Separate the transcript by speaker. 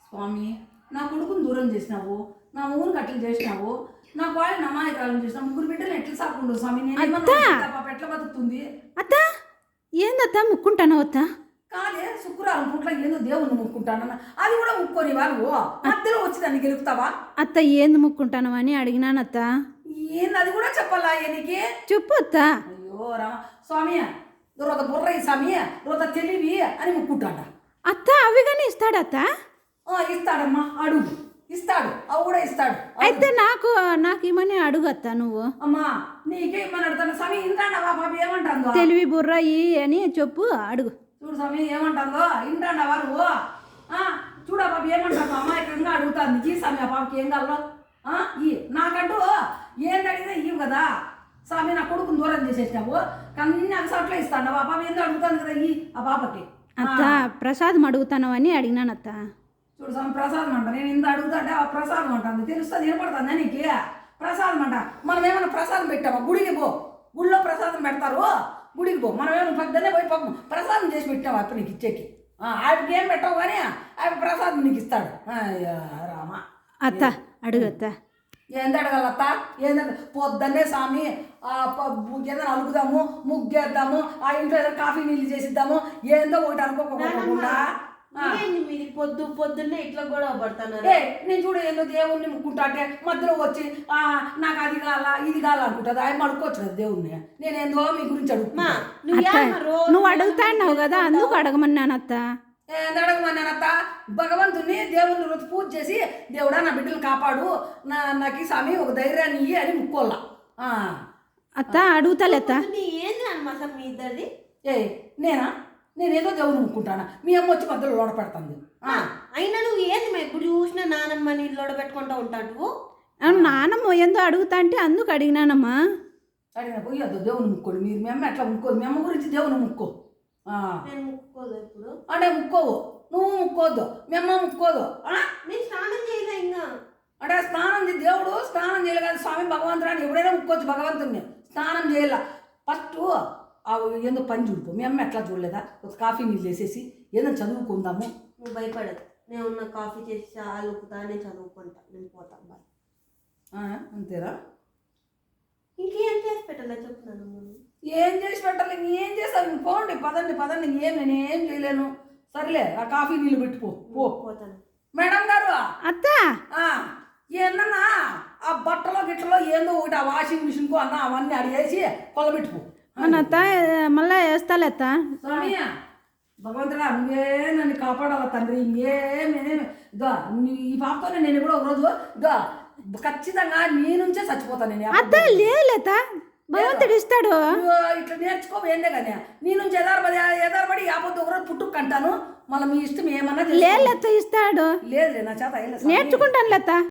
Speaker 1: స్వామి నా కొడుకుని దూరం చేసినావు, నా ఊరు కట్టలు చేసినావు, నా వాళ్ళని అమాయకాలను చేసినావు, ముగ్గురు బిడ్డలు ఎట్లా సాకుండు స్వామి? నేను పాప ఎట్లా బతుకుతుంది?
Speaker 2: అత్త ఏందత్త ముక్కుంటాను అత్త?
Speaker 1: కాదే శుక్రవారం పూట్ల ఏందో దేవుణ్ణి ముక్కుంటానన్న, అది కూడా ముక్కొని వాళ్ళు మధ్యలో వచ్చి దాన్ని గెలుపుతావా?
Speaker 2: అత్త ఏంది ముక్కుంటాను అని అడిగినానత్త.
Speaker 1: ఏంది అది కూడా చెప్పాలా నీకు?
Speaker 2: చెప్పు అత్త.
Speaker 1: అయ్యో రామ స్వామి, రోజు బుర్ర స్వామి, రోజు తెలివి అని ముక్కుంటాడ.
Speaker 2: అత్త అవి కానీ ఇస్తాడత్త?
Speaker 1: ఇస్తాడమ్మా, అడుగు, ఇస్తాడు, అవి కూడా ఇస్తాడు.
Speaker 2: అయితే నాకు ఇమ్మని అడుగు అత్త నువ్వు.
Speaker 1: అమ్మా నీకే ఇమ్మని అడుగుతాను స్వామి. ఇంటాండవా పాప ఏమంటాందో?
Speaker 2: తెలివి బుర్ర ఈ అని చెప్పు, అడుగు.
Speaker 1: చూడు స్వామి ఏమంటాందో, ఇంటాండవా నువ్వు? చూడ పాప ఏమంటాను, అమాయకంగా అడుగుతాను. ఈ స్వామి ఆ పాపకి ఏం కావాలో ఈ నాకంటూ ఏంది అడిగినా ఇవ్వు కదా స్వామి. నా కొడుకుని దూరం చేసేసినావు, కన్నీ అగసాట్లో ఇస్తాను. ఆ పాప ఏందో అడుగుతాను కదా ఈ ఆ పాపకి.
Speaker 2: అత్త ప్రసాదం అడుగుతాను అని అడిగినానత్త.
Speaker 1: చూడు స్వామి ప్రసాదం అంట, నేను ఇంత అడుగుతాంటే ఆ ప్రసాదం అంటుంది. తెలుస్తుంది, వినపడుతుంది నీకు? ప్రసాదం అంట. మనం ఏమైనా ప్రసాదం పెట్టామా? గుడికి పో, గుడిలో ప్రసాదం పెడతారు, గుడికి పో. మనం ఏమైనా పొద్దున్నే పోయి పాపం ప్రసాదం చేసి పెట్టావు అప్పుడు నీకు ఇచ్చేకి. ఆయనకి ఏం పెట్టావు కానీ ఆయన ప్రసాదం నీకు ఇస్తాడు. రామ
Speaker 2: అత్త అడుగు అత్త.
Speaker 1: ఏంది అడగాలత్త? ఏంటంటే పొద్దున్నే స్వామి ఏదైనా అలుగుదాము, ముగ్గేద్దాము, ఆ ఇంట్లో ఏదైనా కాఫీ నీళ్ళు చేసిద్దాము, ఏందో ఒకటి అనుకోకుండా
Speaker 3: మీరు పొద్దున్నే ఇట్లా గొడవ పడుతున్నారు.
Speaker 1: నేను చూడు ఏందో దేవుణ్ణి ముక్కుంటా అంటే మధ్యలో వచ్చి నాకు అది కాల ఇది కాల అనుకుంటుంది. ఆయన అడుకోవచ్చు కదా దేవుణ్ణి. నేనేందో మీ గురించి అడుగుతున్నా.
Speaker 2: నువ్వు అడుగుతాన్నావు కదా అందుకు అడగమన్నానత్త.
Speaker 1: అడగమన్నానత్త. భగవంతుని దేవుని రోజు పూజ చేసి దేవుడా నా బిడ్డలు కాపాడు, నాకు స్వామి ఒక ధైర్యాన్ని ఇయ్యి అని ముక్కోల్లా.
Speaker 2: అత్త అడుగుతాలేత్త.
Speaker 3: ఏంది అనమాట మీ ఇద్దరిది?
Speaker 1: నేనేదో దేవుని ముక్కుంటానా, మీ అమ్మ వచ్చి మధ్యలో లోడ పెడుతుంది.
Speaker 3: అయినా నువ్వు ఏంది ఇప్పుడు చూసిన నానమ్మ నీ లోడ పెట్టుకుంటూ ఉంటావు?
Speaker 2: నానమ్మ ఏందో అడుగుతా అంటే అందుకు అడిగినానమ్మా.
Speaker 1: అడిగిన పోయొద్దు దేవుని ముక్కోడు. మీరు మీ అమ్మ ఎట్లా ముక్కోదు, మీ అమ్మ గురించి దేవుని ముక్కో.
Speaker 3: నేను ముక్కోదు ఇప్పుడు
Speaker 1: అంటే ముక్కోవు, నువ్వు ముక్కోద్దు, మీ అమ్మ ముక్కోదు.
Speaker 3: నేను స్నానం చేయలే ఇంకా.
Speaker 1: అంటే స్నానం దేవుడు స్నానం చేయలే కదా స్వామి. భగవంతుడు ఎప్పుడైనా ముక్కోవచ్చు భగవంతుడిని. స్నానం చేయాల ఫస్ట్ ఏందో పని చూడుకో. మీ అమ్మ ఎట్లా చూడలేదా? ఒక కాఫీ నీళ్ళు వేసేసి ఏదైనా చదువుకుందాము.
Speaker 3: నువ్వు భయపడదు, నేను ఉన్న కాఫీ చేసి అలుకుతా, నేను చదువుకుంటా, నేను పోతా. బాయ్.
Speaker 1: అంతేరా?
Speaker 3: ఇంకేం చేసి పెట్టాలా చెప్తున్నాను.
Speaker 1: ఏం చేసి పెట్టాలి? ఏం చేస్తాను? పోండి, పదండి. నేనేం చేయలేను. సరేలే ఆ కాఫీ నీళ్ళు పెట్టుకో.
Speaker 3: పోతాను.
Speaker 1: మేడం గారు
Speaker 2: అత్త
Speaker 1: ఏందన్నా ఆ బట్టలో గిట్టలో ఏందో ఒకటి ఆ వాషింగ్ మిషన్కు అన్న అవన్నీ అడిగేసి కొలబెట్టుకో.
Speaker 2: అత్త మళ్ళా వేస్తాలేత్త.
Speaker 1: స్వామి భగవంతుడా నువ్వే నన్ను కాపాడాల తండ్రి. ఇంకేమేమి ఇదో ఈ పాపతోనే నేను కూడా ఒకరోజు ఇదో ఖచ్చితంగా నీ నుంచే చచ్చిపోతాను నేను.
Speaker 2: అత్త లేత భగవంతుడు ఇస్తాడు.
Speaker 1: ఇట్లా నేర్చుకోవేందే కానీ నీ నుంచి ఎదారబడి యాపొద్దు ఒకరోజు పుట్టుకు కంటాను. మళ్ళీ మీ ఇష్టం ఏమన్నా
Speaker 2: లేత ఇస్తాడు.
Speaker 1: లేదు నా చేత
Speaker 2: నేర్చుకుంటాను లేత.